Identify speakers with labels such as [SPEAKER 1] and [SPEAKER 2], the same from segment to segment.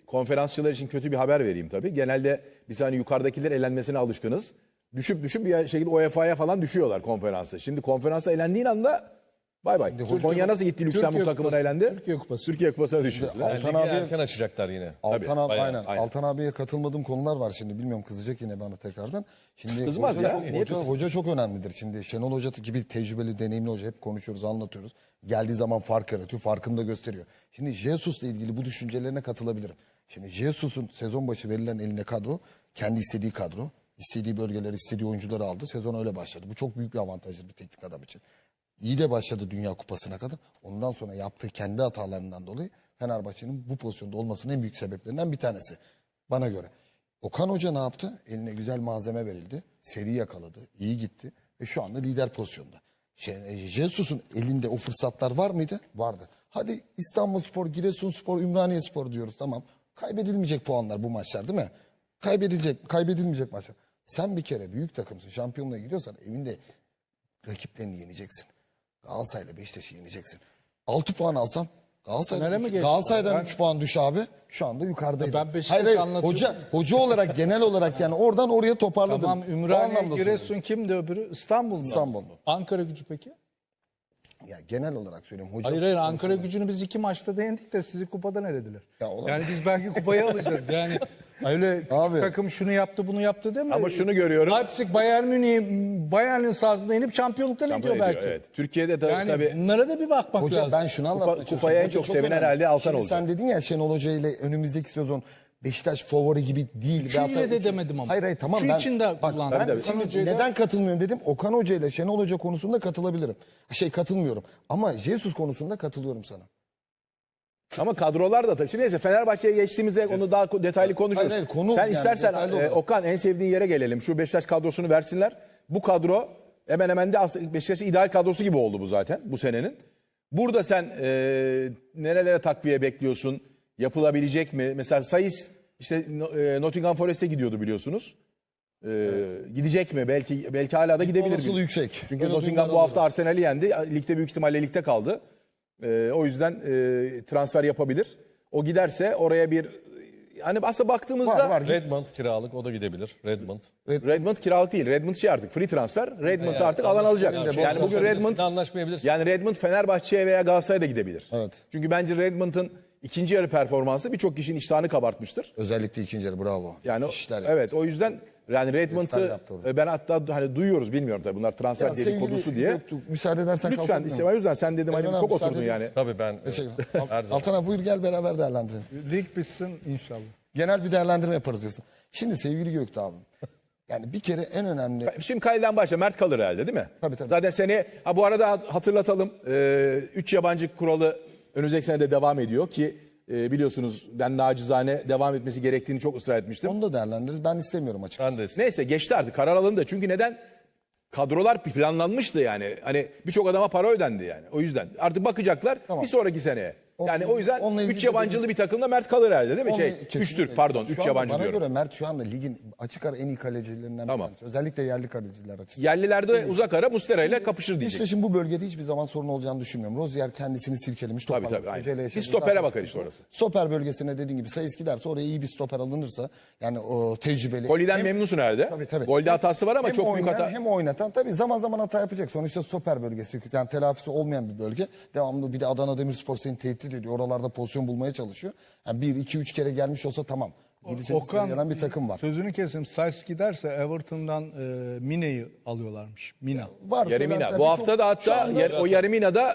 [SPEAKER 1] konferansçılar için kötü bir haber vereyim tabii. Genelde biz hani yukarıdakiler elenmesine alışkınız. Düşüp bir şekilde UEFA'ya falan düşüyorlar konferansa. Şimdi konferansa elendiğin anda bay bay. Konya nasıl gitti Lüksemburg takımına elendi?
[SPEAKER 2] Türkiye Kupası.
[SPEAKER 1] Türkiye Kupası'na düşüyorsun.
[SPEAKER 3] Altan
[SPEAKER 4] Ligi
[SPEAKER 3] abi
[SPEAKER 4] erken açacaklar yine.
[SPEAKER 3] Aynen. Altan abiye katılmadığım konular var şimdi. Bilmiyorum, kızacak yine bana tekrardan. Şimdi
[SPEAKER 1] Kızmaz
[SPEAKER 3] hoca,
[SPEAKER 1] ya. Niye kızsın?
[SPEAKER 3] hoca çok önemlidir. Şimdi Şenol Hoca gibi tecrübeli, deneyimli hoca, hep konuşuyoruz, anlatıyoruz. Geldiği zaman fark yaratıyor, farkını da gösteriyor. Şimdi Jesus'la ilgili bu düşüncelerine katılabilirim. Şimdi Jesus'un sezon başı verilen eline kadro, kendi istediği kadro. İstediği bölgeleri, istediği oyuncuları aldı. Sezon öyle başladı. Bu çok büyük bir avantajdır bir teknik adam için. İyi de başladı Dünya Kupası'na kadar. Ondan sonra yaptığı kendi hatalarından dolayı Fenerbahçe'nin bu pozisyonda olmasının en büyük sebeplerinden bir tanesi. Bana göre. Okan Hoca ne yaptı? Eline güzel malzeme verildi. Seri yakaladı. İyi gitti. Ve şu anda lider pozisyonda. Jesus'un elinde o fırsatlar var mıydı? Vardı. Hadi İstanbulspor, Giresunspor, Ümraniyespor diyoruz. Tamam. Kaybedilmeyecek puanlar bu maçlar değil mi? Kaybedilmeyecek maçlar. Sen bir kere büyük takımsın, şampiyonluğa gidiyorsan evinde rakiplerini yeneceksin. Galatasaray'la Beşiktaş'ı yeneceksin. 6 puan alsam Galatasaray'dan 3 puan düş abi. Şu anda yukarıdaydı.
[SPEAKER 2] Ben Beşiktaş'ı anlatıyorum.
[SPEAKER 3] Hoca olarak genel olarak yani oradan oraya toparladım.
[SPEAKER 2] Tamam,
[SPEAKER 3] O
[SPEAKER 2] Ümraniye,
[SPEAKER 3] anlamda
[SPEAKER 2] Giresun
[SPEAKER 3] söylüyorum.
[SPEAKER 2] kimdi öbürü? İstanbul mu?
[SPEAKER 3] İstanbul.
[SPEAKER 2] Ankara Gücü peki?
[SPEAKER 3] Ya genel olarak söylüyorum. Hoca
[SPEAKER 2] Hayır Ankara Gücü'nü biz 2 maçta da yendik de sizi kupadan elediler.
[SPEAKER 3] Ya olamaz.
[SPEAKER 2] Yani biz belki kupayı alacağız. Yani öyle küçük
[SPEAKER 3] Abi.
[SPEAKER 2] takım şunu yaptı bunu yaptı değil mi?
[SPEAKER 1] Ama şunu görüyorum.
[SPEAKER 2] Leipzig Bayern'in sahasında inip şampiyonluktan ediyor belki.
[SPEAKER 1] Evet. Türkiye'de de
[SPEAKER 2] Yani
[SPEAKER 1] tabii
[SPEAKER 2] bunlara da bir bakmak
[SPEAKER 3] Hoca
[SPEAKER 2] lazım.
[SPEAKER 3] ben şunu anlatmaya çalışıyorum.
[SPEAKER 1] kupaya en
[SPEAKER 3] Hoca
[SPEAKER 1] çok sevinen
[SPEAKER 3] önemli.
[SPEAKER 1] herhalde Altan
[SPEAKER 3] Şimdi
[SPEAKER 1] olacak.
[SPEAKER 3] sen dedin ya Şenol Hoca ile önümüzdeki sezon Beşiktaş favori gibi değil.
[SPEAKER 2] Üçü ile de demedim ama.
[SPEAKER 3] Hayır tamam.
[SPEAKER 2] Şu için de kullandım.
[SPEAKER 3] Ben
[SPEAKER 1] Tabii,
[SPEAKER 3] şimdi
[SPEAKER 2] Okan Hoca'yı da-
[SPEAKER 3] neden katılmıyorum dedim. Okan Hoca ile Şenol Hoca konusunda katılabilirim. Katılmıyorum. Ama Jesus konusunda katılıyorum sana.
[SPEAKER 1] ama kadrolar da tabii. Şimdi neyse Fenerbahçe'ye geçtiğimizde onu daha detaylı konuşuruz.
[SPEAKER 3] Hayır, konu
[SPEAKER 1] Sen
[SPEAKER 3] yani
[SPEAKER 1] istersen
[SPEAKER 3] detaylı olarak.
[SPEAKER 1] Okan en sevdiğin yere gelelim. Şu Beşiktaş kadrosunu versinler. Bu kadro hemen hemen de aslında Beşiktaş'ın ideal kadrosu gibi oldu bu zaten bu senenin. Burada sen nerelere takviye bekliyorsun? Yapılabilecek mi? Mesela Saiz işte Nottingham Forest'e gidiyordu biliyorsunuz. Gidecek mi? Belki hala da gidebilir.
[SPEAKER 3] Olasılığı yüksek.
[SPEAKER 1] Çünkü
[SPEAKER 3] Öyle
[SPEAKER 1] Nottingham
[SPEAKER 3] duyumlar
[SPEAKER 1] bu hafta
[SPEAKER 3] aldım.
[SPEAKER 1] Arsenal'i yendi. Ligde büyük ihtimalle ligde kaldı. O yüzden transfer yapabilir. O giderse oraya bir hani aslında baktığımızda
[SPEAKER 3] Var.
[SPEAKER 4] Redmond kiralık, o da gidebilir. Redmond.
[SPEAKER 1] Redmond kiralık değil. Redmond artık free transfer. Redmond da artık alan alacak. Yani bugün Redmond
[SPEAKER 4] anlaşmayabilirsin.
[SPEAKER 1] yani Redmond Fenerbahçe'ye veya Galatasaray'a da gidebilir.
[SPEAKER 3] Evet.
[SPEAKER 1] Çünkü bence Redmond'ın ikinci yarı performansı birçok kişinin iştahını kabartmıştır.
[SPEAKER 3] Özellikle ikinci yarı bravo.
[SPEAKER 1] Yani
[SPEAKER 3] İşler
[SPEAKER 1] evet o yüzden yani Redmond'ı
[SPEAKER 3] Göster yaptı orada.
[SPEAKER 1] ben hatta hani duyuyoruz bilmiyorum tabii bunlar transfer
[SPEAKER 3] Ya sevgili
[SPEAKER 1] dedikodusu diye.
[SPEAKER 3] Göktuğ, müsaade edersen
[SPEAKER 1] Lütfen
[SPEAKER 3] kalkabilir
[SPEAKER 1] işte
[SPEAKER 3] miyim?
[SPEAKER 1] o yüzden sen dedim hani
[SPEAKER 3] Ömer,
[SPEAKER 1] çok
[SPEAKER 3] müsaade
[SPEAKER 1] oturdun
[SPEAKER 3] ediyor
[SPEAKER 1] yani.
[SPEAKER 4] Tabii ben. Her zaman.
[SPEAKER 3] Altan abi buyur gel beraber değerlendirelim.
[SPEAKER 2] Lig bitsin inşallah.
[SPEAKER 3] Genel bir değerlendirme yaparız diyorsun. Şimdi sevgili Göktuğ abi. Yani bir kere en önemli...
[SPEAKER 1] Şimdi Kale'den başla. Mert kalır herhalde değil mi?
[SPEAKER 3] Tabii.
[SPEAKER 1] Zaten seni bu arada hatırlatalım. 3 yabancı kuralı önümüzdeki sene de devam ediyor ki biliyorsunuz ben nacizane devam etmesi gerektiğini çok ısrar etmiştim.
[SPEAKER 3] Onu da değerlendiririz. Ben istemiyorum açıkçası.
[SPEAKER 4] Ben de
[SPEAKER 1] Neyse geçti artık karar alındı. Çünkü neden? Kadrolar planlanmıştı yani. Hani birçok adama para ödendi yani. O yüzden artık bakacaklar
[SPEAKER 3] Tamam.
[SPEAKER 1] bir sonraki seneye. Yani o yüzden
[SPEAKER 3] Onunla ilgili
[SPEAKER 1] 3 yabancılı bir takımda Mert kalır herhalde değil mi?
[SPEAKER 3] Onunla
[SPEAKER 1] 3
[SPEAKER 3] kesinlikle.
[SPEAKER 1] Türk pardon
[SPEAKER 3] Şu
[SPEAKER 1] 3
[SPEAKER 3] anda
[SPEAKER 1] yabancı
[SPEAKER 3] bana
[SPEAKER 1] diyorum.
[SPEAKER 3] göre Mert şu anda ligin açık ara en iyi kalecilerinden bir
[SPEAKER 1] Tamam.
[SPEAKER 3] tanesi. Özellikle yerli kaleciler açısından.
[SPEAKER 1] Yerlilerde uzak ara Muslera ile kapışır diyecek.
[SPEAKER 3] Beşiktaş'ın bu bölgede hiçbir zaman sorun olacağını düşünmüyorum. Rozier kendisini silkelemiş.
[SPEAKER 1] Tabii,
[SPEAKER 3] toparlamış.
[SPEAKER 1] aynen.
[SPEAKER 3] Hocayla
[SPEAKER 1] Bir
[SPEAKER 3] yaşadığı
[SPEAKER 1] stopere
[SPEAKER 3] zaten
[SPEAKER 1] bakar işte
[SPEAKER 3] sıkıntı.
[SPEAKER 1] orası.
[SPEAKER 3] Stoper bölgesine dediğin gibi Sayıs giderse oraya iyi bir stoper alınırsa yani o tecrübeli.
[SPEAKER 1] Koli'den memnunsun herhalde.
[SPEAKER 3] Tabii.
[SPEAKER 1] Golde hatası var ama
[SPEAKER 3] Hem
[SPEAKER 1] çok büyük
[SPEAKER 3] oynayan,
[SPEAKER 1] hata.
[SPEAKER 3] Hem oynatan tabii zaman zaman hata yapacak. Sonuçta stoper bölgesi yani telafisi olmayan bir bölge. Devamlı bir de Adana Demirspor seni tehdit ediyor. Oralarda pozisyon bulmaya çalışıyor. Yani 1, 2, 3 kere gelmiş olsa tamam. 7-8 gelen bir takım var.
[SPEAKER 2] Sözünü keseyim. Sayıs giderse Everton'dan Mine'yi alıyorlarmış. Mina.
[SPEAKER 3] Var.
[SPEAKER 1] Yaremina.
[SPEAKER 3] söylentiler.
[SPEAKER 1] Bu hafta da
[SPEAKER 3] Şu
[SPEAKER 1] hatta
[SPEAKER 3] anda-
[SPEAKER 1] o Yaremina'da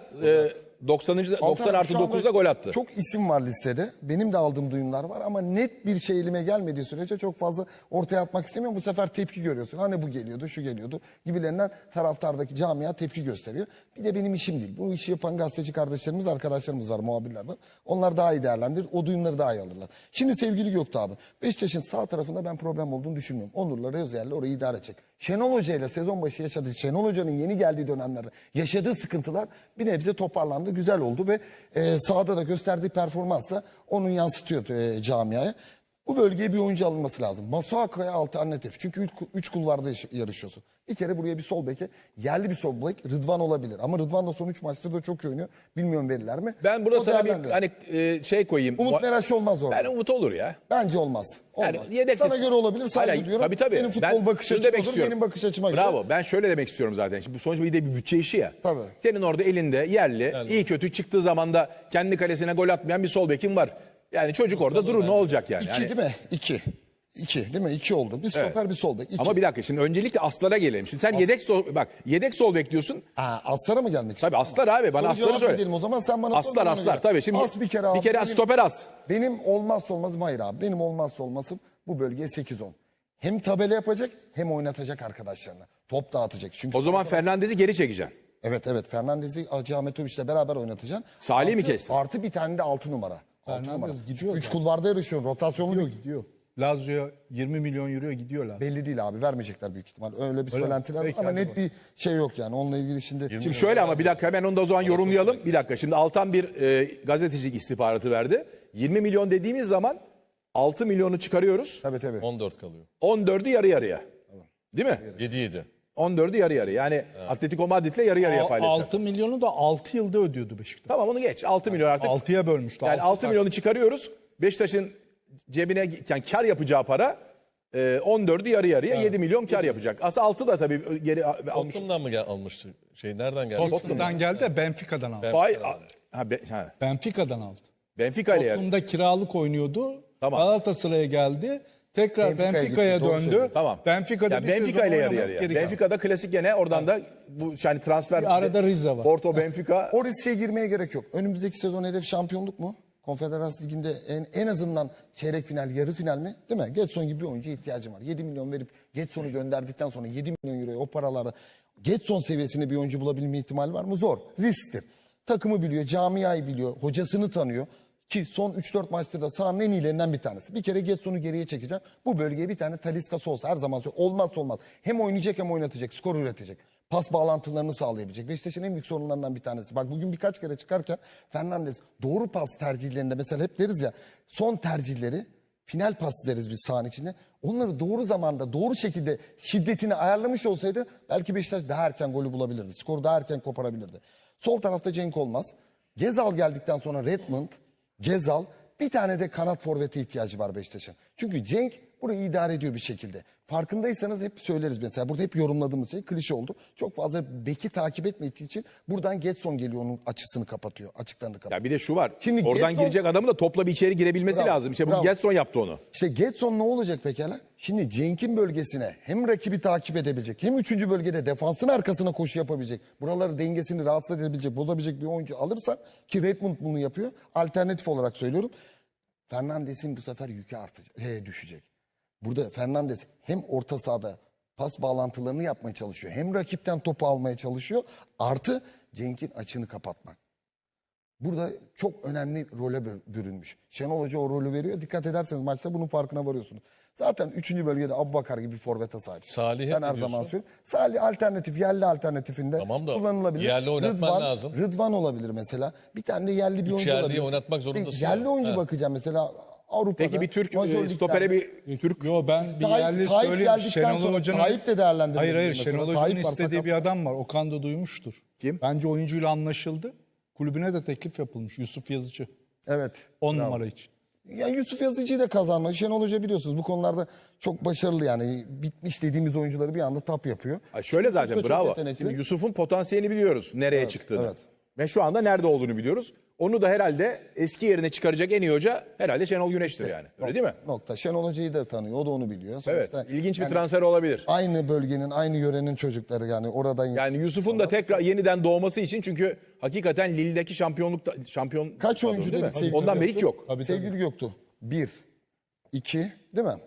[SPEAKER 1] 90. 90 artı
[SPEAKER 3] Şu anda
[SPEAKER 1] 9'da gol attı.
[SPEAKER 3] Çok isim var listede. Benim de aldığım duyumlar var ama net bir şey elime gelmediği sürece çok fazla ortaya atmak istemiyorum. Bu sefer tepki görüyorsun. Hani bu geliyordu, şu geliyordu gibilerinden taraftardaki camia tepki gösteriyor. Bir de benim işim değil. Bu işi yapan gazeteci kardeşlerimiz, arkadaşlarımız var, muhabirler var. Onlar daha iyi değerlendirir. O duyumları daha iyi alırlar. Şimdi sevgili Göktuğ abi, Beşiktaş'ın sağ tarafında ben problem olduğunu düşünmüyorum. Onur'la Rozier'le orayı idare edecek. Şenol Hoca ile sezon başı yaşadığı, Şenol Hoca'nın yeni geldiği dönemlerde yaşadığı sıkıntılar bir nebze toparlandı, güzel oldu ve sahada da gösterdiği performansla onu yansıtıyor camiaya. Bu bölgeye bir oyuncu alınması lazım. Masuaku'ya alternatif. Çünkü 3 kulvarda yarışıyorsun. Bir kere buraya bir sol beke, yerli bir sol bek Rıdvan olabilir. Ama Rıdvan da son 3 maçtır da çok iyi oynuyor. Bilmiyorum verirler mi?
[SPEAKER 1] Ben burada
[SPEAKER 3] O
[SPEAKER 1] sana bir
[SPEAKER 3] değerlendirir.
[SPEAKER 1] hani şey koyayım.
[SPEAKER 3] Umut Meraş olmaz orada.
[SPEAKER 1] Ben Umut olur ya.
[SPEAKER 3] Bence olmaz. Olmaz.
[SPEAKER 1] Yani yedek
[SPEAKER 3] Sana göre olabilir, saygı
[SPEAKER 1] Hayır,
[SPEAKER 3] duyuyorum.
[SPEAKER 1] tabii.
[SPEAKER 3] Senin futbol
[SPEAKER 1] Ben
[SPEAKER 3] bakış
[SPEAKER 1] şunu
[SPEAKER 3] açın
[SPEAKER 1] demek
[SPEAKER 3] olur,
[SPEAKER 1] istiyorum.
[SPEAKER 3] benim bakış açıma göre.
[SPEAKER 1] Bravo. Ben şöyle demek istiyorum zaten. Şimdi bu sonuçta bir de bir bütçe işi ya.
[SPEAKER 3] Tabii.
[SPEAKER 1] Senin orada elinde yerli, iyi kötü çıktığı zaman da kendi kalesine gol atmayan bir sol bekin var. Yani çocuk orada durur ne olacak yani?
[SPEAKER 3] 2
[SPEAKER 1] Yani-
[SPEAKER 3] değil mi? 2. 2 değil mi? 2 oldu. Bir stoper bir sol bek. 2.
[SPEAKER 1] Ama bir dakika şimdi öncelikle Aslar'a gelelim. Şimdi sen yedek sol bekliyorsun.
[SPEAKER 3] Aslara mı gelmek
[SPEAKER 1] Tabii Aslar abi bana
[SPEAKER 3] Soru
[SPEAKER 1] Aslar'ı
[SPEAKER 3] cevap
[SPEAKER 1] söyle.
[SPEAKER 3] edelim o zaman, sen bana
[SPEAKER 1] Aslar
[SPEAKER 3] sor,
[SPEAKER 1] Aslar
[SPEAKER 3] bana göre.
[SPEAKER 1] tabii. Şimdi
[SPEAKER 3] As bir kere abi. Benim-
[SPEAKER 1] stoper as.
[SPEAKER 3] Benim olmazsa olmazım hayır abi. Benim olmazsa olmazım bu bölgeye 8-10. Hem tabela yapacak hem oynatacak arkadaşlarına. Top dağıtacak. Çünkü
[SPEAKER 1] O zaman Fernandez'i geri çekeceksin.
[SPEAKER 3] evet Fernandez'i Hacı Ahmetoviç'le beraber oynatacaksın.
[SPEAKER 1] Salih mi
[SPEAKER 3] Artı-
[SPEAKER 1] kestin?
[SPEAKER 3] Artı bir tane de 6 numara.
[SPEAKER 2] Fernandez gidiyor
[SPEAKER 3] 3
[SPEAKER 2] zaten.
[SPEAKER 3] kulvarda yarışıyor. Rotasyonlu bir
[SPEAKER 2] Gidiyor. Lazio'ya 20 milyon euroya gidiyorlar.
[SPEAKER 3] belli değil abi. Vermeyecekler büyük ihtimal. Öyle bir
[SPEAKER 2] Öyle mi?
[SPEAKER 3] söylentiler var
[SPEAKER 2] Peki,
[SPEAKER 3] ama
[SPEAKER 2] hadi
[SPEAKER 3] net
[SPEAKER 2] bakalım.
[SPEAKER 3] bir şey yok yani. Onunla ilgili şimdi
[SPEAKER 1] Şimdi şöyle ama bir dakika hemen onu da o zaman yorumlayalım. Bir dakika şimdi Altan bir gazetecilik istihbaratı verdi. 20 milyon dediğimiz zaman 6 milyonu çıkarıyoruz.
[SPEAKER 3] tabii.
[SPEAKER 4] 14 kalıyor.
[SPEAKER 1] 14'ü yarı yarıya. Değil mi?
[SPEAKER 4] 7-7.
[SPEAKER 1] 14'ü yarı yarı. Yani Atletico Madrid'le yarı yarıya paylaşacak.
[SPEAKER 2] 6 milyonu da 6 yılda ödüyordu Beşiktaş.
[SPEAKER 1] Tamam onu geç. 6 milyon artık.
[SPEAKER 2] 6'ya bölmüştü.
[SPEAKER 1] Yani 6 milyonu çıkarıyoruz. Beşiktaş'ın cebine yani kar yapacağı para 14'ü yarı yarıya 7 milyon kar yapacak. Aslında 6 da tabii geri almış.
[SPEAKER 4] Tottenham'dan mı almıştı? Nereden geldi?
[SPEAKER 2] Tottenham'dan geldi de Benfica'dan aldı.
[SPEAKER 1] Benfica'dan aldı.
[SPEAKER 2] Benfica ile yarı.
[SPEAKER 1] Tottenham'da
[SPEAKER 2] kiralık oynuyordu.
[SPEAKER 1] Tamam.
[SPEAKER 2] Galatasaray'a geldi. Tekrar
[SPEAKER 3] Benfica'ya
[SPEAKER 2] Benfica'ya
[SPEAKER 3] gitti, doğru
[SPEAKER 2] döndü.
[SPEAKER 3] söylüyorsun.
[SPEAKER 1] Tamam.
[SPEAKER 2] Benfica'da
[SPEAKER 1] Yani
[SPEAKER 2] bir
[SPEAKER 1] Benfica
[SPEAKER 2] sezon
[SPEAKER 1] ile yarı
[SPEAKER 2] oynamayıp
[SPEAKER 1] yarıya.
[SPEAKER 2] geri kaldı.
[SPEAKER 1] Benfica'da klasik gene oradan da bu yani transfer.
[SPEAKER 2] Bir arada Rize var.
[SPEAKER 1] Porto, Benfica.
[SPEAKER 3] O riske girmeye gerek yok. Önümüzdeki sezon hedef şampiyonluk mu? Konfederasyon Ligi'nde en azından çeyrek final, yarı final mi? Değil mi? Getson gibi bir oyuncuya ihtiyacım var. 7 milyon verip Getson'u gönderdikten sonra 7 milyon euroya o paralarda Getson seviyesinde bir oyuncu bulabilme ihtimali var mı? Zor. Risktir. Takımı biliyor, camiayı biliyor, hocasını tanıyor. Ki son 3-4 maçtır da sahanın en iyilerinden bir tanesi. Bir kere Getson'u geriye çekeceğim. Bu bölgeye bir tane Talisca'sı olsa her zaman olmazsa olmaz. Hem oynayacak hem oynatacak, skor üretecek. Pas bağlantılarını sağlayabilecek. Beşiktaş'ın en büyük sorunlarından bir tanesi. Bak bugün birkaç kere çıkarken Fernandes doğru pas tercihlerinde mesela hep deriz ya son tercihleri final pas deriz biz sahanın içinde. Onları doğru zamanda doğru şekilde şiddetini ayarlamış olsaydı belki Beşiktaş daha erken golü bulabilirdi. Skoru daha erken koparabilirdi. Sol tarafta Cenk Olmaz. Gezal geldikten sonra Redmond, Gezal, bir tane de kanat forvete ihtiyacı var Beşiktaş'ın. Çünkü Cenk burayı idare ediyor bir şekilde. Farkındaysanız hep söyleriz mesela. Burada hep yorumladığımız şey klişe oldu. Çok fazla beki takip etmediği için buradan Getson geliyor onun açısını kapatıyor. Açıklarını kapatıyor.
[SPEAKER 1] Ya bir de şu var.
[SPEAKER 3] Şimdi
[SPEAKER 1] Oradan
[SPEAKER 3] Getson-
[SPEAKER 1] girecek adamı da topla bir içeri girebilmesi
[SPEAKER 3] Bravo,
[SPEAKER 1] lazım. İşte bu
[SPEAKER 3] bravo.
[SPEAKER 1] Getson yaptı onu.
[SPEAKER 3] İşte Getson ne olacak pekala? Şimdi Cenk'in bölgesine hem rakibi takip edebilecek hem 3. bölgede defansın arkasına koşu yapabilecek. Buraları dengesini rahatsız edebilecek, bozabilecek bir oyuncu alırsan ki Redmond bunu yapıyor. Alternatif olarak söylüyorum. Fernandes'in bu sefer yükü artacak, düşecek. Burada Fernandes hem orta sahada pas bağlantılarını yapmaya çalışıyor. Hem rakipten topu almaya çalışıyor. Artı Cenk'in açığını kapatmak. Burada çok önemli role bürünmüş. Şenol Hoca o rolü veriyor. Dikkat ederseniz maçta bunun farkına varıyorsunuz. Zaten 3. bölgede Abubakar gibi bir forvete sahip.
[SPEAKER 4] Salih'e
[SPEAKER 3] Ben
[SPEAKER 4] ne
[SPEAKER 3] her zaman
[SPEAKER 4] diyorsun?
[SPEAKER 3] söylüyorum. Salih alternatif, yerli alternatifinde
[SPEAKER 4] Tamam da
[SPEAKER 3] kullanılabilir.
[SPEAKER 4] yerli oynatman lazım.
[SPEAKER 3] Rıdvan olabilir mesela. Bir tane de yerli bir oyuncu
[SPEAKER 4] yerliyi
[SPEAKER 3] olabilir.
[SPEAKER 4] oynatmak zorundasın
[SPEAKER 3] yerli
[SPEAKER 4] ya.
[SPEAKER 3] oyuncu
[SPEAKER 4] Ha.
[SPEAKER 3] bakacağım mesela Avrupa'da.
[SPEAKER 1] Peki bir Türk
[SPEAKER 3] Major Lig'lerde.
[SPEAKER 1] stopere bir Türk.
[SPEAKER 2] Yo ben bir yerli
[SPEAKER 3] Tayyip
[SPEAKER 2] söyleyeyim.
[SPEAKER 3] geldikten
[SPEAKER 2] Şenol
[SPEAKER 3] sonra
[SPEAKER 2] Hoca'nın...
[SPEAKER 3] Tayyip de değerlendirilebilir
[SPEAKER 2] Hayır
[SPEAKER 3] mesela.
[SPEAKER 2] Şenol Hoca'nın
[SPEAKER 3] Tayyip var,
[SPEAKER 2] istediği
[SPEAKER 3] sakat.
[SPEAKER 2] bir adam var. Okan da duymuştur.
[SPEAKER 1] Kim?
[SPEAKER 2] Bence oyuncuyla anlaşıldı. Kulübüne de teklif yapılmış. Yusuf Yazıcı.
[SPEAKER 3] Evet.
[SPEAKER 2] 10
[SPEAKER 3] Bravo.
[SPEAKER 2] numara için.
[SPEAKER 3] Ya Yusuf Yazıcı'yı da kazanmış. Şenol Hoca biliyorsunuz bu konularda çok başarılı yani. Bitmiş dediğimiz oyuncuları bir anda tap yapıyor.
[SPEAKER 1] Ay şöyle
[SPEAKER 3] Yusuf da
[SPEAKER 1] zaten
[SPEAKER 3] çok
[SPEAKER 1] bravo.
[SPEAKER 3] yetenekli.
[SPEAKER 1] Şimdi Yusuf'un potansiyelini biliyoruz. Nereye çıktığını.
[SPEAKER 3] evet.
[SPEAKER 1] Ve şu anda nerede olduğunu biliyoruz. Onu da herhalde eski yerine çıkaracak en iyi hoca herhalde Şenol Güneş'tir yani. Öyle değil mi?
[SPEAKER 3] Nokta. Şenol Hoca'yı da tanıyor. O da onu biliyor.
[SPEAKER 1] Evet.
[SPEAKER 3] Sonuçta
[SPEAKER 1] İlginç bir
[SPEAKER 3] yani
[SPEAKER 1] transfer olabilir.
[SPEAKER 3] aynı bölgenin, aynı yörenin çocukları yani oradan
[SPEAKER 1] Yani Yusuf'un da tekrar yeniden doğması için çünkü hakikaten Lille'deki şampiyon
[SPEAKER 3] kaç
[SPEAKER 1] kadro
[SPEAKER 3] oyuncu
[SPEAKER 1] değil mi?
[SPEAKER 3] dedik sevgili
[SPEAKER 1] Ondan beri hiç
[SPEAKER 3] Göktuğ?
[SPEAKER 1] yok.
[SPEAKER 2] Tabii,
[SPEAKER 3] Sevgili Göktuğ. 1, 2 değil mi?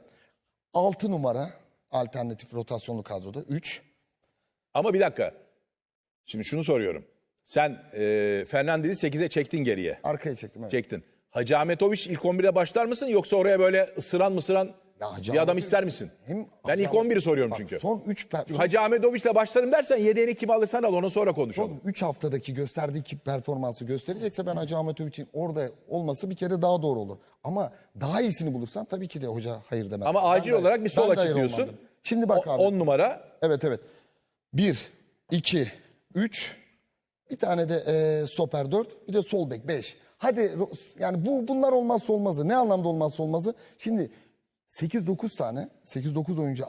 [SPEAKER 3] 6 numara alternatif rotasyonlu kadroda. 3.
[SPEAKER 1] Ama bir dakika. Şimdi şunu soruyorum. Sen Fernandez'i 8'e çektin geriye.
[SPEAKER 3] Arkaya çektim. Evet.
[SPEAKER 1] Çektin. Hacı Ahmetoviç ilk 11'de başlar mısın yoksa oraya böyle ısıran
[SPEAKER 3] Ya Hacı
[SPEAKER 1] Bir adam
[SPEAKER 3] Ahmet-
[SPEAKER 1] ister misin?
[SPEAKER 3] Hem
[SPEAKER 1] Ben ilk
[SPEAKER 3] Hacı Ahmet-
[SPEAKER 1] 11'i soruyorum
[SPEAKER 3] Bak,
[SPEAKER 1] çünkü.
[SPEAKER 3] Son 3
[SPEAKER 1] Hacı Ahmetoviç'le başlarım dersen yedeğini kim alırsan al, onu sonra konuşalım.
[SPEAKER 3] Son 3 haftadaki gösterdiği ki performansı gösterecekse ben Hacı Ahmetoviç'in orada olması bir kere daha doğru olur. Ama daha iyisini bulursan tabii ki de hoca hayır demez.
[SPEAKER 1] Ama acil olarak bir sol
[SPEAKER 3] ben de hayır
[SPEAKER 1] açıklıyorsun.
[SPEAKER 3] olmam dedim. Şimdi bak abi.
[SPEAKER 1] 10 numara.
[SPEAKER 3] Evet. 1, 2, 3. Bir tane de stoper 4. Bir de sol bek 5. Hadi yani bunlar olmazsa olmazı. Ne anlamda olmazsa olmazı? Şimdi 8-9 tane 8-9 oyuncu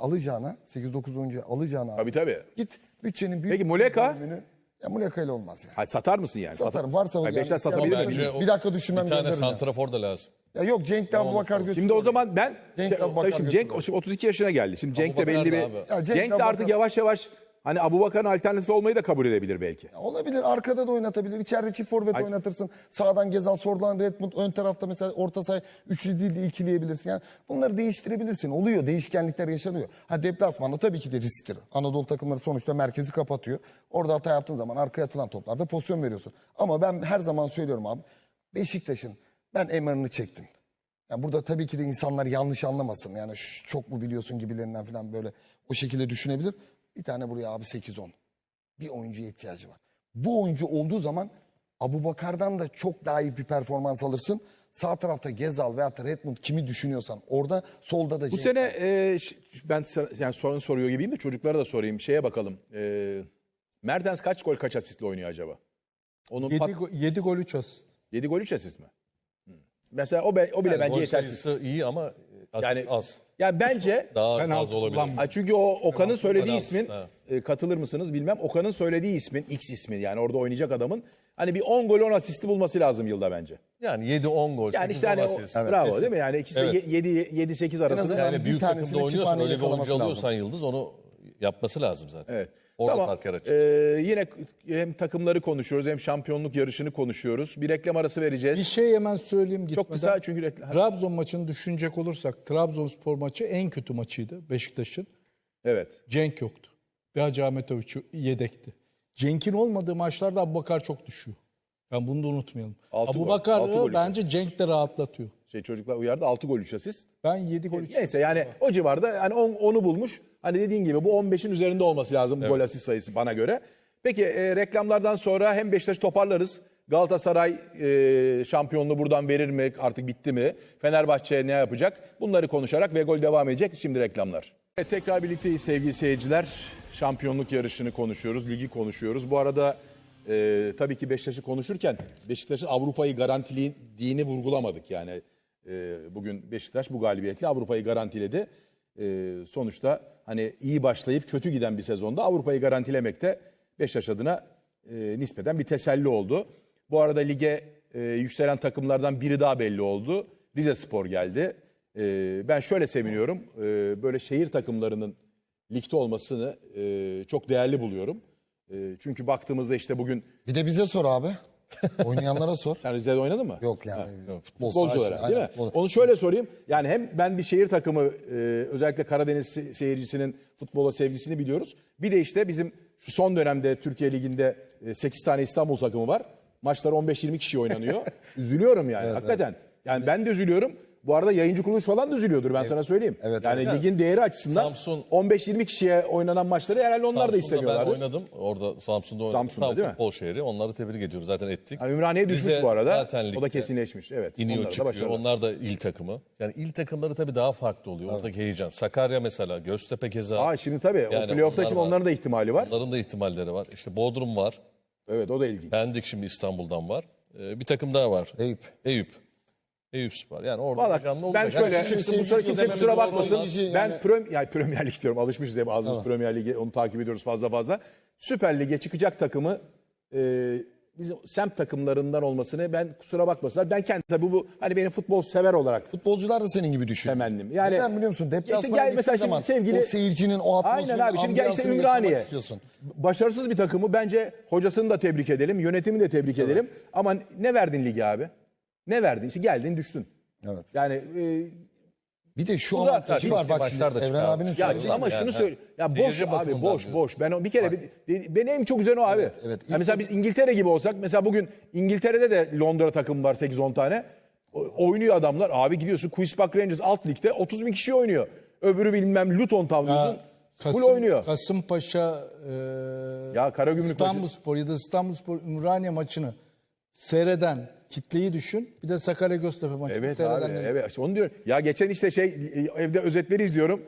[SPEAKER 3] alacağına
[SPEAKER 1] Tabii.
[SPEAKER 3] git bütçenin büyük
[SPEAKER 1] Peki Muleka?
[SPEAKER 3] bölümünü- Ya Muleka ile olmaz yani.
[SPEAKER 1] Hayır, satar mısın yani?
[SPEAKER 3] Satarım. Varsa
[SPEAKER 1] Hayır,
[SPEAKER 3] yani
[SPEAKER 1] Beşiktaş
[SPEAKER 3] isteyen
[SPEAKER 1] satabilir
[SPEAKER 3] varsa
[SPEAKER 1] mi?
[SPEAKER 4] Bence o-
[SPEAKER 3] bir dakika düşünmem
[SPEAKER 4] Bir tane
[SPEAKER 3] gönderirim yani.
[SPEAKER 4] santrafor da lazım.
[SPEAKER 3] Ya yok Cenk de Abubakar götürüyor.
[SPEAKER 1] Şimdi o zaman ben
[SPEAKER 3] Cenk
[SPEAKER 1] şey,
[SPEAKER 3] Abubakar
[SPEAKER 1] tabii şimdi Cenk
[SPEAKER 3] götürüyor.
[SPEAKER 1] şimdi 32 yaşına geldi. Şimdi Cenk de
[SPEAKER 4] Abubakar
[SPEAKER 1] belli bir
[SPEAKER 4] da abi.
[SPEAKER 3] Ya Cenk
[SPEAKER 1] Cenk de
[SPEAKER 3] Abubakar-
[SPEAKER 1] artık yavaş yavaş hani Abubakar'ın alternatifi olmayı da kabul edebilir belki.
[SPEAKER 3] Olabilir, arkada da oynatabilir. İçeride çift forvet oynatırsın. Sağdan Gezal, soldan Redmond, ön tarafta mesela orta saha üçlü değil de ikileyebilirsin. Yani bunları değiştirebilirsin. Oluyor, değişkenlikler yaşanıyor. Ha deplasmanda tabii ki de risktir. Anadolu takımları sonuçta merkezi kapatıyor. Orada hata yaptığın zaman arkaya atılan toplarda pozisyon veriyorsun. Ama ben her zaman söylüyorum abi. Beşiktaş'ın ben emarını çektim. Yani burada tabii ki de insanlar yanlış anlamasın. Yani çok mu biliyorsun gibilerinden falan böyle o şekilde düşünebilir. Bir tane buraya abi 8-10. Bir oyuncuya ihtiyacı var. Bu oyuncu olduğu zaman Abubakar'dan da çok daha iyi bir performans alırsın. Sağ tarafta Gezal veyahut da Redmond kimi düşünüyorsan orada, solda da
[SPEAKER 1] Bu
[SPEAKER 3] Cenk
[SPEAKER 1] sene
[SPEAKER 3] var.
[SPEAKER 1] ben yani sorun soruyor gibiyim de çocuklara da sorayım. Şeye bakalım. Mertens kaç gol kaç asistle oynuyor acaba? Onun
[SPEAKER 2] 7 gol 3 asist.
[SPEAKER 1] 7 gol 3 asist mi? Mesela o bile
[SPEAKER 4] Yani
[SPEAKER 1] bence
[SPEAKER 4] gol
[SPEAKER 1] yetersiz.
[SPEAKER 4] sayısı iyi ama asist
[SPEAKER 1] Yani
[SPEAKER 4] az.
[SPEAKER 1] yani bence
[SPEAKER 4] Daha
[SPEAKER 2] Penaltı
[SPEAKER 4] fazla olabilir.
[SPEAKER 2] kullanmıyor.
[SPEAKER 1] çünkü o Okan'ın söylediği
[SPEAKER 4] penaltısı,
[SPEAKER 1] ismin
[SPEAKER 4] ha.
[SPEAKER 1] katılır mısınız bilmem. Okan'ın söylediği ismin X ismi yani orada oynayacak adamın hani bir 10 gol 10 asisti bulması lazım yılda bence.
[SPEAKER 4] Yani 7-10 gol.
[SPEAKER 1] Yani
[SPEAKER 4] 8-10
[SPEAKER 1] işte hani
[SPEAKER 4] asist.
[SPEAKER 1] bravo
[SPEAKER 4] Kesin.
[SPEAKER 1] değil mi? Yani ikisi
[SPEAKER 4] Evet.
[SPEAKER 1] de 7-8 arasında.
[SPEAKER 3] azından
[SPEAKER 4] Yani
[SPEAKER 3] bir
[SPEAKER 4] büyük
[SPEAKER 3] tanesini
[SPEAKER 4] takımda oynuyorsan
[SPEAKER 3] çifthaneye
[SPEAKER 4] öyle bir oyuncu
[SPEAKER 3] yakalaması
[SPEAKER 4] alıyorsan Yıldız onu yapması lazım zaten.
[SPEAKER 1] Evet.
[SPEAKER 4] Orada
[SPEAKER 1] Tamam.
[SPEAKER 4] fark yaratacak.
[SPEAKER 1] Yine hem takımları konuşuyoruz hem şampiyonluk yarışını konuşuyoruz. Bir reklam arası vereceğiz.
[SPEAKER 2] Bir şey hemen söyleyeyim gitmeden.
[SPEAKER 1] Çok kısa çünkü reklam.
[SPEAKER 2] Trabzon maçını düşünecek olursak Trabzonspor maçı en kötü maçıydı Beşiktaş'ın.
[SPEAKER 1] Evet.
[SPEAKER 2] Cenk yoktu. Ve Hacı Ahmetoviç yedekti. Cenk'in olmadığı maçlarda Abubakar çok düşüyor. Ben bunu da unutmayalım.
[SPEAKER 1] 6 gol,
[SPEAKER 2] Abubakar
[SPEAKER 1] 6 gol
[SPEAKER 2] bence Cenk de rahatlatıyor.
[SPEAKER 1] Çocuklar uyardı 6 gol 3 asist.
[SPEAKER 2] Ben 7 gol 3.
[SPEAKER 1] Neyse yani o civarda hani 10'u bulmuş. Hani dediğin gibi bu 15'in üzerinde olması lazım gol asist sayısı bana göre. Peki reklamlardan sonra hem Beşiktaş'ı toparlarız. Galatasaray şampiyonluğu buradan verir mi? Artık bitti mi? Fenerbahçe ne yapacak? Bunları konuşarak ve gol devam edecek. Şimdi reklamlar. Evet, tekrar birlikteyiz sevgili seyirciler. Şampiyonluk yarışını konuşuyoruz, ligi konuşuyoruz. Bu arada tabii ki Beşiktaş'ı konuşurken Beşiktaş'ın Avrupa'yı garantilediğini vurgulamadık. Yani bugün Beşiktaş bu galibiyetle Avrupa'yı garantiledi. Sonuçta hani iyi başlayıp kötü giden bir sezonda Avrupa'yı garantilemek de Beşiktaş adına nispeten bir teselli oldu. Bu arada lige yükselen takımlardan biri daha belli oldu. Rizespor geldi. Ben şöyle seviniyorum. Böyle şehir takımlarının ligde olmasını çok değerli buluyorum. Çünkü baktığımızda işte bugün
[SPEAKER 3] Bir de bize sor abi. Oynayanlara sor.
[SPEAKER 1] sen Rize'de oynadın mı?
[SPEAKER 3] Yok yani. Futbol
[SPEAKER 1] Futbolcu
[SPEAKER 3] saha
[SPEAKER 1] olarak
[SPEAKER 3] için,
[SPEAKER 1] değil mi?
[SPEAKER 3] aynen, futbol.
[SPEAKER 1] Onu şöyle sorayım. Yani hem ben bir şehir takımı özellikle Karadeniz seyircisinin futbola sevgisini biliyoruz. Bir de işte bizim şu son dönemde Türkiye Ligi'nde 8 tane İstanbul takımı var. Maçlar 15-20 kişi oynanıyor. Üzülüyorum yani hakikaten. Yani ben de üzülüyorum. Bu arada yayıncı kuruluş falan da üzülüyordur ben sana söyleyeyim.
[SPEAKER 3] Evet,
[SPEAKER 1] yani
[SPEAKER 4] evet.
[SPEAKER 1] ligin değeri açısından
[SPEAKER 4] Samsun-
[SPEAKER 1] 15-20 kişiye oynanan maçları herhalde onlar da
[SPEAKER 4] Samsun'da
[SPEAKER 1] istemiyorlar.
[SPEAKER 4] ben oynadım. Orada Samsun'da oynadım.
[SPEAKER 1] Samsun'da
[SPEAKER 4] Tam
[SPEAKER 1] değil mi?
[SPEAKER 4] futbol şehri. Onları tebrik ediyoruz. Zaten ettik.
[SPEAKER 1] Yani Ümraniye düşmüş
[SPEAKER 4] Rize
[SPEAKER 1] bu arada.
[SPEAKER 4] zaten
[SPEAKER 1] O da
[SPEAKER 4] ligde
[SPEAKER 1] kesinleşmiş. Evet.
[SPEAKER 4] İniyor
[SPEAKER 1] Onlar da
[SPEAKER 4] çıkıyor.
[SPEAKER 1] başarılı.
[SPEAKER 4] Onlar da il takımı. Yani il takımları tabii daha farklı oluyor. Oradaki heyecan. Sakarya mesela, Göztepe keza.
[SPEAKER 1] Şimdi tabii
[SPEAKER 4] Yani
[SPEAKER 1] o playoff'ta
[SPEAKER 4] onlar
[SPEAKER 1] şimdi
[SPEAKER 4] var.
[SPEAKER 1] onların da ihtimali var.
[SPEAKER 4] Onların da ihtimalleri var. İşte Bodrum var.
[SPEAKER 1] Evet o da ilginç.
[SPEAKER 4] Pendik şimdi İstanbul'dan var. Bir takım daha var.
[SPEAKER 3] Eyüp.
[SPEAKER 4] Eyüpspor. Yani orada
[SPEAKER 1] Valla
[SPEAKER 4] heyecanlı
[SPEAKER 1] ben
[SPEAKER 4] olacak.
[SPEAKER 1] şöyle
[SPEAKER 4] Yani çıksın bu
[SPEAKER 1] kimse
[SPEAKER 4] sezon
[SPEAKER 1] kusura
[SPEAKER 4] dememiz
[SPEAKER 1] bakmasın.
[SPEAKER 4] olmaz.
[SPEAKER 1] Ben
[SPEAKER 3] Yani-
[SPEAKER 1] Premier Lig diyorum alışmışız hep ağzımız Premier Lig'e onu takip ediyoruz fazla. Süper Lig'e çıkacak takımı bizim semt takımlarından olmasını ben kusura bakmasınlar. Ben kendi tabii bu hani benim futbol sever olarak
[SPEAKER 3] Futbolcular da senin gibi düşünüyor.
[SPEAKER 1] temennim. Yani
[SPEAKER 3] Neden biliyor musun?
[SPEAKER 1] işte
[SPEAKER 3] Deplasmana
[SPEAKER 1] gel
[SPEAKER 3] gittiğin
[SPEAKER 1] mesela şimdi
[SPEAKER 3] zaman
[SPEAKER 1] sevgili
[SPEAKER 3] o seyircinin o atmosferini,
[SPEAKER 1] Aynen abi şimdi gel işte
[SPEAKER 3] ambiyansını yaşamak
[SPEAKER 1] Ümraniye.
[SPEAKER 3] istiyorsun.
[SPEAKER 1] Başarısız bir takımı bence hocasını da tebrik edelim, yönetimi de tebrik edelim. Ama ne verdin lige abi? Ne verdin? İşte geldin düştün.
[SPEAKER 3] Evet.
[SPEAKER 1] Yani
[SPEAKER 3] Bir de şu
[SPEAKER 1] Bu da-
[SPEAKER 3] avantajı var bak
[SPEAKER 4] maçlar
[SPEAKER 3] şimdi
[SPEAKER 4] da
[SPEAKER 3] Evren
[SPEAKER 4] çıkarmış.
[SPEAKER 3] abinin
[SPEAKER 1] ya
[SPEAKER 3] söylediği.
[SPEAKER 1] ama
[SPEAKER 4] yani,
[SPEAKER 1] şunu söyle. Ya boş
[SPEAKER 4] seyirci
[SPEAKER 1] abi
[SPEAKER 4] bakımından
[SPEAKER 1] boş
[SPEAKER 4] diyorsun.
[SPEAKER 1] boş. Ben bir kere benim en çok güzel o abi.
[SPEAKER 3] evet.
[SPEAKER 1] Ya mesela biz İngiltere gibi olsak mesela bugün İngiltere'de de Londra takımı var 8-10 tane. Oynuyor adamlar. Abi gidiyorsun Queenspark Rangers alt ligde 30 bin kişi oynuyor. Öbürü bilmem Luton tavlıyorsun. Full oynuyor.
[SPEAKER 2] Kasımpaşa,
[SPEAKER 1] Ya Karagümrük
[SPEAKER 2] İstanbulspor ya da İstanbulspor Ümraniye maçını seyreden kitleyi düşün. Bir de Sakarya Göztepe maçını
[SPEAKER 1] Evet
[SPEAKER 2] seyreden.
[SPEAKER 1] abi, evet. İşte onu diyorum. Ya geçen işte evde özetleri izliyorum.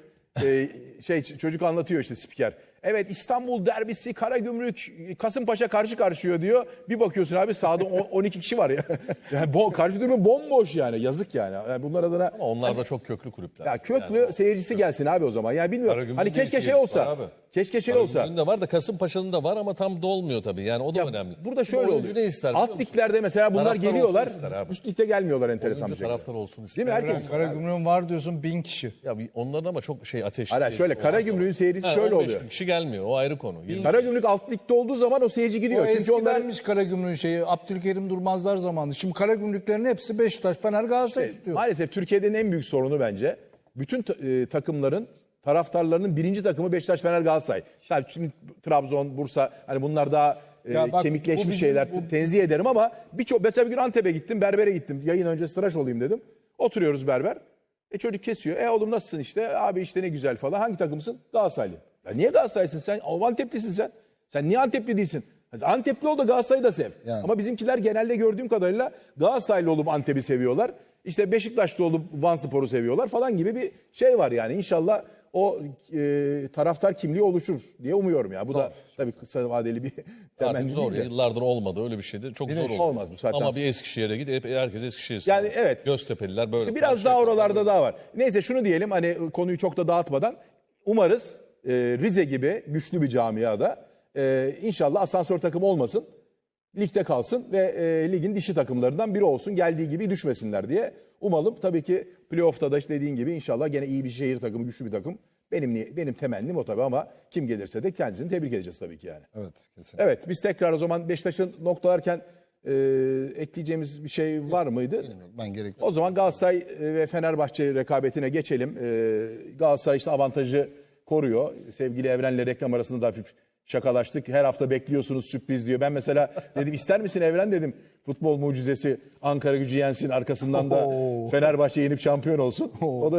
[SPEAKER 1] Çocuk anlatıyor işte spiker. Evet İstanbul derbisi Karagümrük Kasımpaşa karşı karşıya diyor. Bir bakıyorsun abi sahada 12 kişi var ya. Yani karşı durumu bomboş yani. Yazık yani. Yani bunlar adına
[SPEAKER 4] Ama onlar da çok köklü kulüpler.
[SPEAKER 1] ya köklü seyircisi gelsin abi o zaman. Yani bilmiyorum.
[SPEAKER 4] Karagümrük'ün
[SPEAKER 1] Hani
[SPEAKER 4] de
[SPEAKER 1] keşke şey
[SPEAKER 4] seyircisi var
[SPEAKER 1] olsa.
[SPEAKER 4] abi.
[SPEAKER 1] Keşke şey olsa.
[SPEAKER 4] Karagümrük'ün de var da Kasımpaşa'nın da var ama tam dolmuyor tabii. Yani o da önemli.
[SPEAKER 1] Burada
[SPEAKER 4] Şimdi
[SPEAKER 1] şöyle
[SPEAKER 4] oyuncu
[SPEAKER 1] oluyor.
[SPEAKER 4] ne ister biliyor
[SPEAKER 1] Alt
[SPEAKER 4] musun?
[SPEAKER 1] liglerde mesela bunlar
[SPEAKER 4] Taraftar
[SPEAKER 1] geliyorlar.
[SPEAKER 4] olsun ister abi.
[SPEAKER 1] Üst ligde gelmiyorlar enteresan bir
[SPEAKER 4] Oyuncu
[SPEAKER 1] şekilde.
[SPEAKER 4] taraftar olsun ister.
[SPEAKER 1] Değil mi? Herkes.
[SPEAKER 2] Karagümrük'ün var diyorsun 1000 kişi.
[SPEAKER 4] Ya onların ama çok ateşli.
[SPEAKER 1] Hayır, şöyle Karagümrük'ün seyircisi şöyle
[SPEAKER 4] 15
[SPEAKER 1] oluyor.
[SPEAKER 4] bin kişi gelmiyor. O ayrı konu.
[SPEAKER 1] Karagümrük alt ligde olduğu zaman o seyirci gidiyor.
[SPEAKER 2] O
[SPEAKER 1] Çünkü onların
[SPEAKER 2] eskidenmiş Karagümrük'ün şeyi. Abdülkerim Durmazlar zamanı. Şimdi Karagümrüklerin hepsi Beşiktaş, Fener, Galatasaray tutuyor.
[SPEAKER 1] maalesef Türkiye'nin en büyük sorunu bence bütün takımların taraftarlarının birinci takımı Beşiktaş, Fener, Galatasaray. Tabii şimdi Trabzon, Bursa hani bunlar daha
[SPEAKER 2] Ya bak, bu
[SPEAKER 1] kemikleşmiş
[SPEAKER 2] bizim-
[SPEAKER 1] şeyler tenzih ederim ama birçok mesela bir gün Antep'e gittim, berbere gittim. Yayın öncesi tıraş olayım dedim. Oturuyoruz berber. Çocuk kesiyor. Oğlum nasılsın işte? Abi işte ne güzel falan. Hangi takımsın? Galatasaraylı. Ya niye Galatasaraylısın sen? Anteplisin sen. Sen niye Antepli değilsin? Antepli ol da Galatasaray'ı da sev.
[SPEAKER 3] Yani.
[SPEAKER 1] Ama bizimkiler genelde gördüğüm kadarıyla Galatasaraylı olup Antep'i seviyorlar. İşte Beşiktaşlı olup Vanspor'u seviyorlar falan gibi bir şey var yani. İnşallah o taraftar kimliği oluşur diye umuyorum ya. Bu da tabii kısa vadeli bir temenni
[SPEAKER 4] Artık zor.
[SPEAKER 1] değil de.
[SPEAKER 4] Yıllardır olmadı. Öyle bir şeydi. Çok zor oldu.
[SPEAKER 1] olmaz bu saatten
[SPEAKER 4] Ama
[SPEAKER 1] sonra.
[SPEAKER 4] bir Eskişehir'e git. Herkes Eskişehir'e.
[SPEAKER 1] Yani evet.
[SPEAKER 4] Göztepe'liler böyle.
[SPEAKER 1] İşte biraz daha oralarda daha var. Neyse şunu diyelim hani konuyu çok da dağıtmadan umarız Rize gibi güçlü bir camiada inşallah asansör takımı olmasın. Ligde kalsın ve ligin dişi takımlarından biri olsun. Geldiği gibi düşmesinler diye umalım. Tabii ki playoff'ta da işte dediğin gibi inşallah gene iyi bir şehir takımı, güçlü bir takım. Benim temennim o tabii ama kim gelirse de kendisini tebrik edeceğiz tabii ki yani.
[SPEAKER 3] Evet, kesinlikle.
[SPEAKER 1] Evet biz tekrar o zaman Beşiktaş'ın noktalarken ekleyeceğimiz bir şey var mıydı?
[SPEAKER 3] Ben gerekli.
[SPEAKER 1] O zaman Galatasaray ve Fenerbahçe rekabetine geçelim. Galatasaray işte avantajı koruyor. Sevgili Evren'le reklam arasında da hafif şakalaştık. Her hafta bekliyorsunuz sürpriz diyor. Ben mesela dedim ister misin Evren dedim. Futbol mucizesi Ankara Gücü yensin arkasından da Fenerbahçe yenip şampiyon olsun.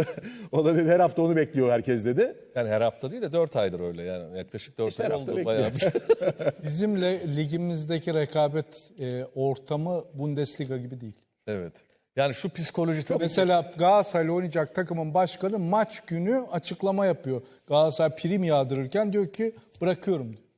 [SPEAKER 1] O da dedi her hafta onu bekliyor herkes dedi.
[SPEAKER 4] Yani her hafta değil de 4 aydır öyle. Yani yaklaşık 4
[SPEAKER 1] İşte
[SPEAKER 4] ay
[SPEAKER 1] her hafta
[SPEAKER 4] oldu. Bayağı
[SPEAKER 2] Bizimle ligimizdeki rekabet ortamı Bundesliga gibi değil.
[SPEAKER 4] Evet. Yani şu psikoloji tabii ki-
[SPEAKER 2] Mesela Galatasaray'la oynayacak takımın başkanı maç günü açıklama yapıyor. Galatasaray prim yağdırırken diyor ki bırakıyorum diyor.